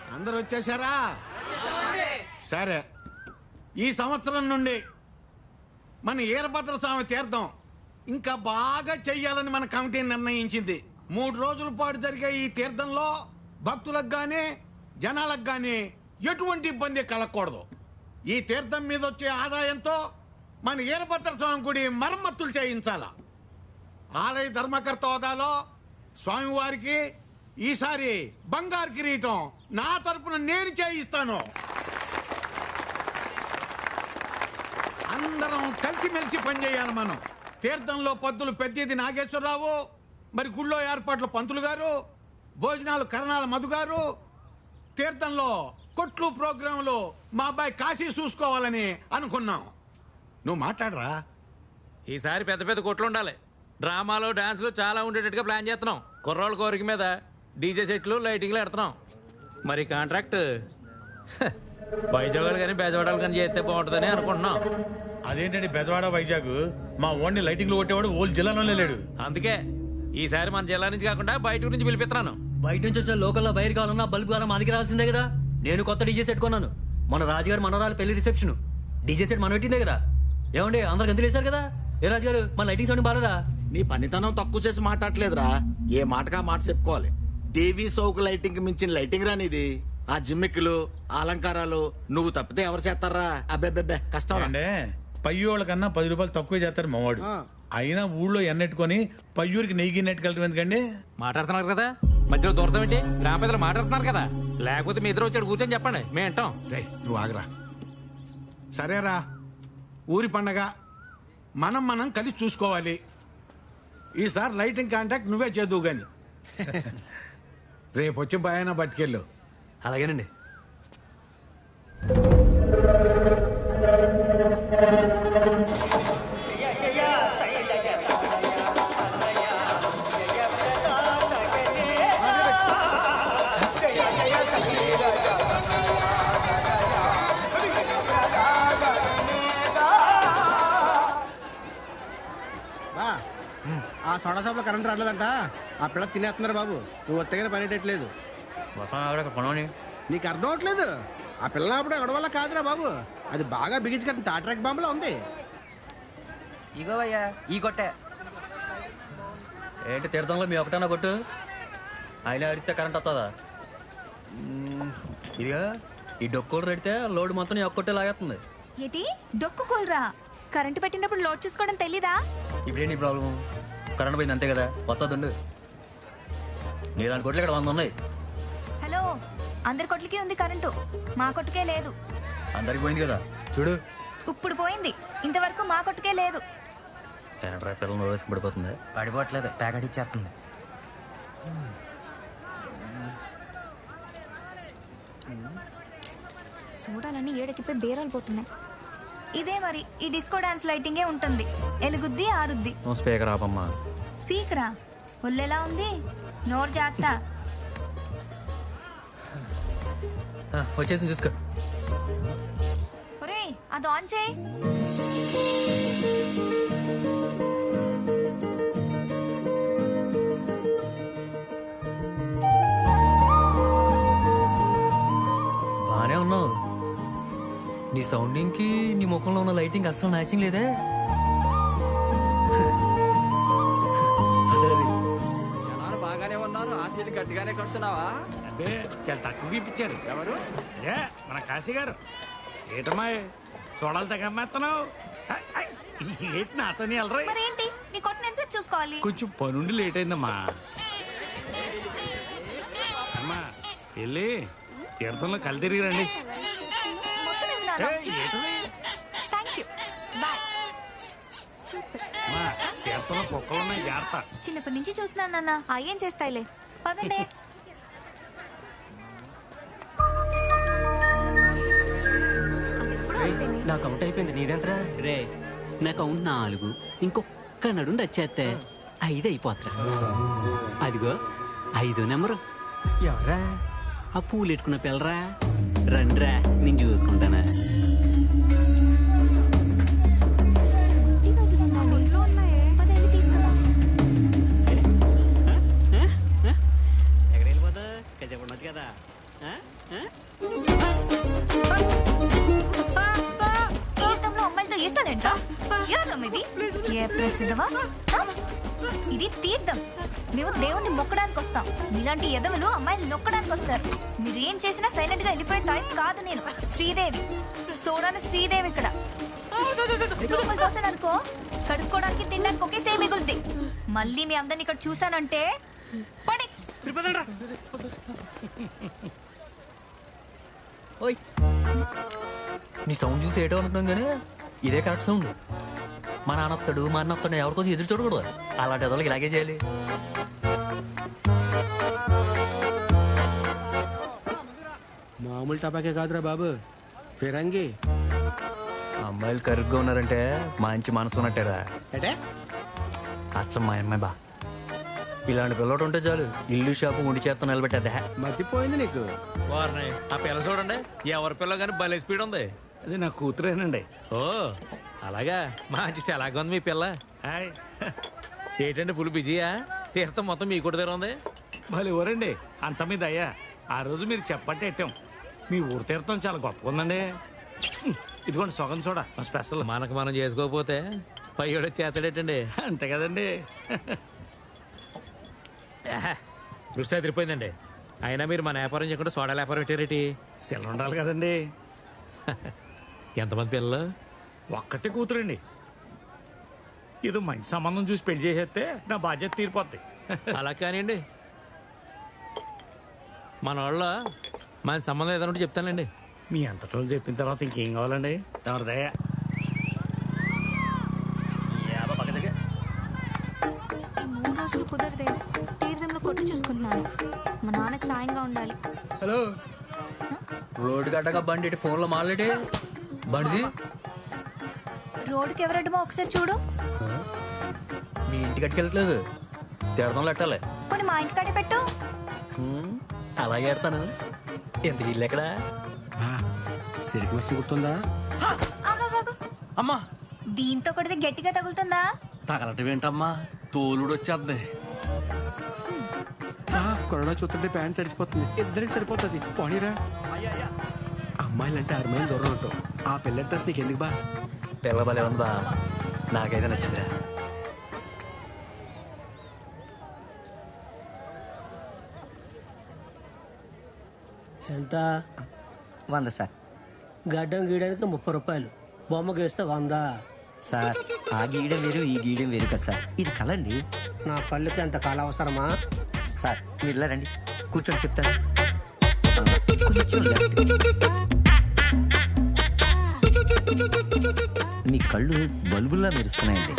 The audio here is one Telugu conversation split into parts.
అందరు వచ్చేసారా? సరే, ఈ సంవత్సరం నుండి మన వీరభద్ర స్వామి తీర్థం ఇంకా బాగా చెయ్యాలని మన కమిటీ నిర్ణయించింది. 3 రోజుల పాటు జరిగే ఈ తీర్థంలో భక్తులకు గానీ జనాలకు గానీ ఎటువంటి ఇబ్బంది కలగకూడదు. ఈ తీర్థం మీద వచ్చే ఆదాయంతో మన వీరభద్ర స్వామి గుడి మరమ్మతులు చేయించాల. ఆలయ ధర్మకర్త హోదాలో స్వామివారికి ఈసారి బంగారు కిరీటం నా తరపున నేను చేయిస్తాను. అందరం కలిసిమెలిసి పనిచేయాలి. మనం తీర్థంలో పద్దులు పెద్దది నాగేశ్వరరావు, మరి గుళ్ళో ఏర్పాట్లు పంతులు గారు, భోజనాలు కరణాల మధు గారు, తీర్థంలో కొట్లు ప్రోగ్రాంలు మా అబ్బాయి కాశీ చూసుకోవాలని అనుకున్నాం. నువ్వు మాట్లాడరా. ఈసారి పెద్ద పెద్ద కొట్లు ఉండాలి. డ్రామాలు డాన్సులు చాలా ఉండేటట్టుగా ప్లాన్ చేస్తున్నాం. కుర్రోళ్ళ కోరిక మీద డీజే సెట్లు లైటింగ్లు పెడుతున్నాం. మరి కాంట్రాక్ట్ వైజాగ్ కానీ బెజవాడలు కానీ చేస్తే బాగుంటుందని అనుకుంటున్నాం. అదేంటండి బెజవాడ వైజాగ్? మా ఓన్ని లైటింగ్లు కొట్టేవాడు ఓల్ జిల్లాలోనే లేడు. అందుకే ఈసారి మన జిల్లా నుంచి కాకుండా బయట నుంచి పిలిపిస్తున్నాను. బయట నుంచి వచ్చిన లోకల్లో వైర్ కావాలన్నా బల్బు కావాలన్నా మా దగ్గర రావాల్సిందే కదా. నేను కొత్త డీజే సెట్ కొన్నాను. మన రాజుగారు మనవరాలు పెళ్లి రిసెప్షన్ డీజే సెట్ మనం పెట్టిందే కదా. ఏమండి అందరు గంతులు వేశారు కదా. ఏ రాజుగారు మన లైటింగ్ సౌండ్ బాలేదా? నీ పనితనం తక్కువ చేసి మాట్లాడలేదురా. ఏ మాటగా మాట చెప్పుకోవాలి. టీవీ సౌకు లైటింగ్ మించిన లైటింగ్ రానిది. ఆ జిమ్మిక్కులు అలంకారాలు నువ్వు తప్పితే ఎవరు చేస్తారా? అబ్బెబ్బెబ్బే కష్టం. అంటే పయ్యోళ్ళ కన్నా 10 రూపాయలు తక్కువే చేస్తారు మావాడు. అయినా ఊళ్ళో ఎన్నెట్టుకొని పయ్యూరికి నెయ్యి నెట్టుకెళ్ళటం ఎందుకండి? మాట్లాడుతున్నారు కదా, మధ్యలో దూరతం ఏంటి? గ్రామ పెద్దలు మాట్లాడుతున్నారు కదా, లేకపోతే మీ ఇద్దరు వచ్చాడు కూర్చొని చెప్పండి, మేము వింటాం. రేయ్, నువ్వు ఆగరా. సరేరా, ఊరి పండగ మనం కలిసి చూసుకోవాలి. ఈసారి లైటింగ్ కాంటాక్ట్ నువ్వే చేదువు గాని. రేపు వచ్చి భయాన పట్టుకెళ్ళు. అలాగేనండి. ఆ సోడా షాప్ లో కరెంట్ రావట్లేదంట. ఆ పిల్ల తినేస్తున్నారు బాబు. నువ్వు ఒత్తగానే పనిటట్లేదు. నీకు అర్థం అవట్లేదు. ఆ పిల్ల అప్పుడు ఎవడ వల్ల కాదురా బాబు. అది బాగా బిగించి కట్టిన తాట్రాక్ బాంబులో ఉంది. ఇగోవయ్యా ఈ కొట్టే ఏంటి తీర్థంలో మీ ఒకటన్నా కొట్టు అయినా అడిగితే కరెంట్ వస్తుందా? ఇదిగా ఈ డొక్కులు పెడితే లోడ్ మొత్తం నీ ఒక్కొట్టే లాగేస్తుంది. ఏంటి డొక్కు కూలరా? కరెంటు పెట్టినప్పుడు లోడ్ చూసుకోవడం తెలీదా? ఇప్పుడేంటి ప్రాబ్లం? కరెంట్ పోయింది అంతే కదా, వస్తుందండు. నీలాంటి కొట్లు ఇక్కడ 100 ఉన్నాయి. హలో, అందరి కొట్లకి ఉంది కరెంటు, మా కొట్టుకే లేదు. అందరికి పోయింది కదా చూడు. ఇప్పుడు పోయింది, ఇంతవరకు మా కొట్టుకే లేదు. ఏంట్రా పిల్లలు నోరేసి పడిపోతుంది. పడిపోవట్లేదు, ప్యాకెట్ ఇచ్చేస్తుంది. చూడాలని ఏడకిపోయి బేరాలు పోతున్నాయి. ఇదే మరి ఈ డిస్కో డాన్స్ లైటింగే ఉంటుంది. ఎలుగుద్ది ఆరుద్ది. స్పీకర్ ఆపమ్మా. స్పీకరా? ఒళ్ళెలా ఉంది? నోరు జాగ్రత్త. వచ్చేసి చూసుకో. ఒరేయ్, అది ఆన్ చేయి. బానే ఉన్నావు. నీ సౌండింగ్ కి నీ ముఖంలో ఉన్న లైటింగ్ అస్సలు మ్యాచింగ్ లేదే. జనాలు బాగానే ఉన్నారు. ఆశీలు గట్టిగానే కడుతున్నావా? అదే చాలా తక్కువ ఇప్పించారు. ఎవరు? ఏ మన కాశీ గారు. ఏటమ్మా చూడాలి తగ్గమ్మేస్తున్నావు? ఏంటి నాతో వెళ్ళరా? మరేంటి నీ కొట్టిన ఎంతసేపు చూసుకోవాలి? కొంచెం పనుండి లేట్ అయిందమ్మా. అమ్మా వెళ్ళి తీర్థంలో కళ్ళు తిరిగి రండి. Thank you, bye. తీర్థంలో కుక్కలు ఉన్నాయి, జాగ్రత్త. చిన్నప్పటి నుంచి చూస్తున్నాను నాన్న. ఏం చేస్తాయిలే, పదండి. నాకు అవుట్ అయిపోయింది. నీదెంతరా? రే నాకు అవుట్ 4. ఇంకొక్క నడు రచ్చేస్తే 5 అయిపోతురా. అదిగో 5 నెంబరు. ఎవరా ఆ పూలు ఎట్టుకున్న పిల్లరా? రండిరా, నేను చూసుకుంటానా. ఎక్కడ వెళ్ళిపోతా? చెప్పండొచ్చు కదా. తీర్థంలో అమ్మాయిలతో వేసాలేంట్రా ఎవరు ఇది ఏ ప్రసిద్ధవా ఇది తీర్థం మేము దేవుణ్ణి మొక్కడానికి వస్తాం మీలాంటి ఎదవలు అమ్మాయిలు నొక్కడానికి వస్తారు మీరు ఏం చేసినా సైలెంట్ గా వెళ్ళిపోయే టైప్ కాదు నేను శ్రీదేవి సోడాను శ్రీదేవి ఇక్కడ అనుకో కడుక్కోవడానికి తినడానికి ఒకేసే మిగులుద్ది మళ్ళీ మీ అందరిని ఇక్కడ చూసానంటే పడి ఓయ్ నీ సౌండ్ చూసి ఏటో అనుకున్నాం కానీ ఇదే కరెక్ట్ సౌండ్ మా నాన్నొస్తాడు మా అన్న వస్తాడు ఎవరికోసం ఎదురు చూడకూడదు అలాంటి వాళ్ళకి ఇలాగే చేయాలి మామూలు టపాకే కాదురా బాబు ఫిరంగి అమ్మాయిలు కరుగ్గా ఉన్నారంటే మంచి మనసు ఉన్నట్టేరా అంటే అచ్చం మా అమ్మాయి బా ఇలాంటి పిల్లడు ఉంటే చాలు ఇల్లు షాపు ఉండి చేత్తో నిలబెట్టా మర్చిపోయింది నీకు వారిని ఆ పిల్ల చూడండి ఎవరి పిల్ల కానీ భలే స్పీడ్ ఉంది అది నా కూతురేనండి. ఓ అలాగా మంచి ఎలాగ ఉంది మీ పిల్ల హాయ్. ఏంటండి ఫుల్ బిజీయా తీర్థం మొత్తం మీ కూడా దగ్గర ఉంది భలే ఊరండి అంత మీద అయ్యా ఆ రోజు మీరు చెప్పంటే ఎట్టాం మీ ఊరు తీర్థం చాలా గొప్పగా ఉందండి. ఇదిగోండి సొగం చూడ మా స్పెషల్. మనకు మనం చేసుకోకపోతే పయ్యోడ చేతడేటండి అంతే కదండి. దృష్టి అదిరిపోయిందండి. అయినా మీరు మన వ్యాపారం చేయకుండా సోడా వ్యాపారం పెట్టారేటి? సెల్ ఉండాలి కదండి. ఎంతమంది పిల్లలు? ఒక్కతే కూతురండి. ఇది మంచి సంబంధం చూసి పెళ్లి చేసేస్తే నా బాధ్యత తీరిపోద్ది. అలా కానివ్వండి, మన వాళ్ళ మన సంబంధం ఏదైనా ఉంటే చెప్తానండి. మీ అంతటోళ్ళు చెప్పిన తర్వాత ఇంకేం కావాలండి? ఎవరిదయ్యా ఈ 3 రోజులు కుదరదే తీర్థంలో కొట్టు చూసుకుంటున్నాను. మా నాన్నకి సాయంగా ఉండాలి. హలో రోడ్డు గడ్డగా బండి ఇటు ఫోన్లో మాట్లాడి బండిది రోడ్డుకి ఎవరడ్డమో ఒకసారి చూడు. మీ ఇంటికి అట్టుకెళ్ళట్లేదు, తీర్థంలో పెట్టాలి. పోనీ మా ఇంటికాడే పెట్టు. అలాగే ఎడతాను. ఎందుకు ఇల్లు ఎక్కడా? సిరికి వస్తుంది గుర్తుందా? ఆగాగాగు. అమ్మా దీంతో కొడితే గట్టిగా తగులుతుందా? తగలటం ఏంటమ్మా, తోలుడు వచ్చేద్ది. కొరడా చూస్తుంటే ప్యాంట్ తడిసిపోతుంది. ఇద్దరికి సరిపోతుంది. పోనీరా. అమ్మాయిలంటే 6 మైలు దూరం ఉంటావు. ఆ పిల్ల డ్రెస్ నీకు ఎందుకు బా? పిల్ల బలే ఉందా? నాకైతే నచ్చిందిరా. ఎంత? 100 సార్. గడ్డం గీయడానికి 30 రూపాయలు, బొమ్మ గీస్తే 100. సార్ ఆ గీయడం వేరు ఈ గీయడం వేరు కదా సార్, ఇది కలండి. నా పళ్ళుకి అంత కాల అవసరమా? సార్ మీరు ఇలా రండి, కూర్చొని చెప్తాను. మీ కళ్ళు బల్బుల్లా మెరుస్తున్నాయండి.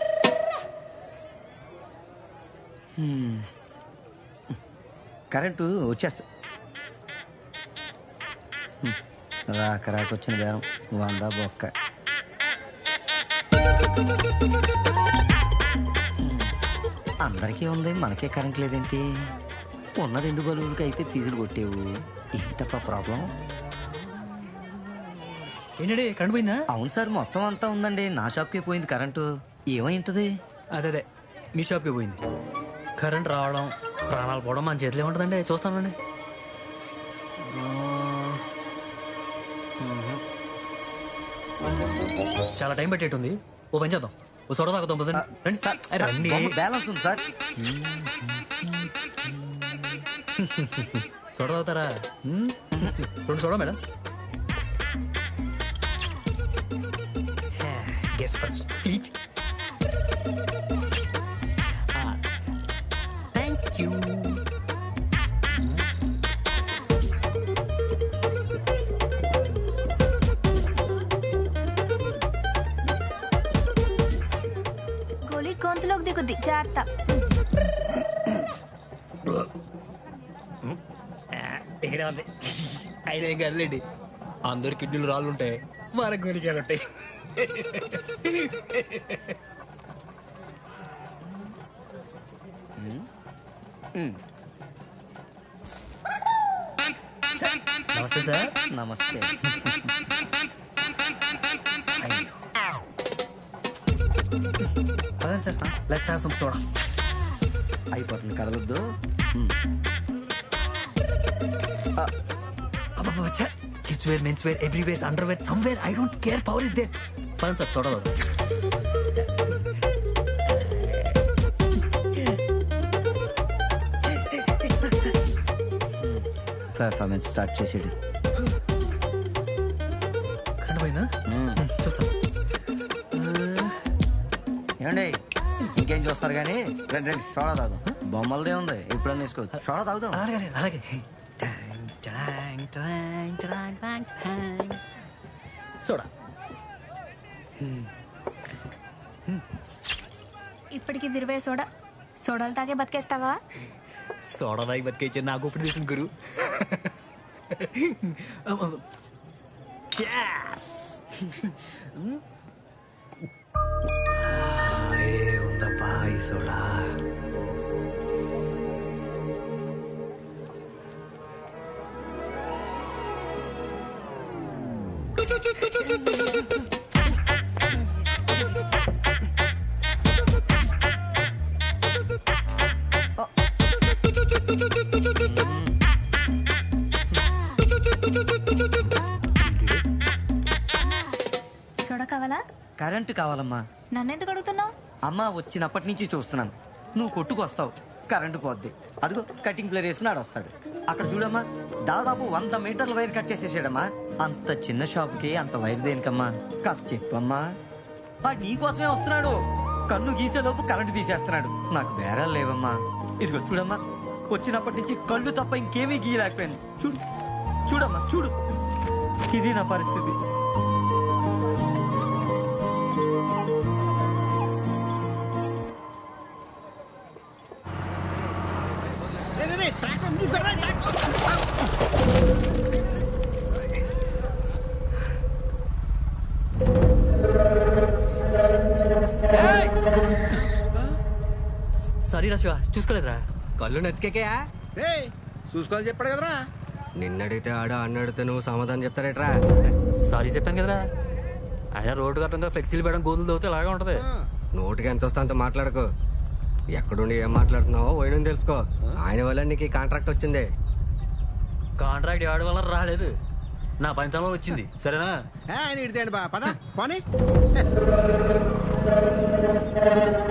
కరెంటు వచ్చేస్తా. రాకొచ్చిన బేరం 100 బొక్క. అందరికీ ఉంది, మనకే కరెంట్ లేదేంటి? ఉన్న 2 బల్బులకి అయితే ఫీజులు కొట్టేవు. ఏంటప్ప ప్రాబ్లం? ఏంటండి కరెంట్ పోయిందా? అవును సార్, మొత్తం అంతా ఉందండి. నా షాప్కే పోయింది కరెంటు. ఏమై ఉంటుంది? అదే మీ షాప్కి పోయింది. కరెంట్ రావడం ప్రాణాలు పోవడం మన చేతిలో ఉంటుందండి. చూస్తానండి. చాలా టైం పెట్టేట్టుంది. ఓ పని చేద్దాం, ఓ సొడ తాగుతాం. రండి. బ్యాలెన్స్ ఉంది సార్. సొడ తాగుతారా? 2 soda madam. Guess first please. Thank you. గోళీ గొంతులోకి దిగుద్ది, జాగ్రత్త. ఇక్కడ ఉంది. అయినా ఏం కదలేండి, అందరు కిడ్నీలు రాళ్ళు ఉంటాయి, మన గోలికాయలు ఉంటాయి. నమస్తే సార్. నమస్తే. పదండి sir, let's have some soda. అయిపోతుంది, కదలొద్దు. Kids wear men's wear everywhere underwear somewhere I don't care power is there పని సార్ చూడదు పర్ఫార్మెన్స్ స్టార్ట్ చేసేది. కరెంట్ పోయిందా చూస్తాను. ఏమండి ఇంకేం చూస్తారు కానీ రండి రండి సోడా తాగుదాం. బొమ్మలదే ఉంది ఎప్పుడన్నా వేసుకోవచ్చు. సోడా తాగుదాం. అలాగే అలాగే సోడా ఇప్పటికి 20 సోడా సోడాలు తాగే బతికేస్తావా? సోడా తాగి బతికేచ్చే నాకు ఇప్పుడు తీసిన గురు. ఉందప్పా ఈ సోడా. సోడా కావాలా? కరెంటు కావాలమ్మా. నన్నెందుకు అడుగుతున్నావు? అమ్మ వచ్చినప్పటి నుంచి చూస్తున్నాను. నువ్వు కొట్టుకు వస్తావు కరెంటు పోద్ది. అదిగో కటింగ్ ప్లేర్ వేసుకుని ఆడు వస్తాడు. అక్కడ చూడమ్మా దాదాపు 100 మీటర్ల వైర్ కట్ చేసేసాడమ్మా. అంత చిన్న షాపుకి అంత వైర్ దేనికమ్మా? కాస్త చెప్పమ్మా. నీకోసమే వస్తున్నాడు. కన్ను గీసేలోపు కరెంటు తీసేస్తున్నాడు. నాకు బేరాలు లేవమ్మా. ఇదిగో చూడమ్మా వచ్చినప్పటి నుంచి కళ్ళు తప్ప ఇంకేమీ గీయలేకపోయాను. చూడు చూడమ్మా చూడు. ఇది నా పరిస్థితి. సారీ రా శివ చూసుకోలేదురా. కళ్ళు నెత్తికెక్కయా? చూసుకోవాలి చెప్పాడు కదరా. నిన్నడిగితే ఆడు అన్నడితే నువ్వు సమాధానం చెప్తారేట్రా? సారీ చెప్పాను కదరా. ఆయన రోడ్డు కట్టంగా ఫ్లెక్సీలు పెట్టడం గోతులు తవ్వుతే ఇలాగే ఉంటది. నోటికి ఎంత వస్తే అంత మాట్లాడకు. ఎక్కడుండి ఏం మాట్లాడుతున్నావో పోయిన తెలుసుకో. ఆయన వల్ల నీకు ఈ కాంట్రాక్ట్ వచ్చింది. కాంట్రాక్ట్ ఎవరి వల్ల రాలేదు, నా పనితనంలో వచ్చింది. సరేనా? ఆయన ఇడితే బా పద పోనీ.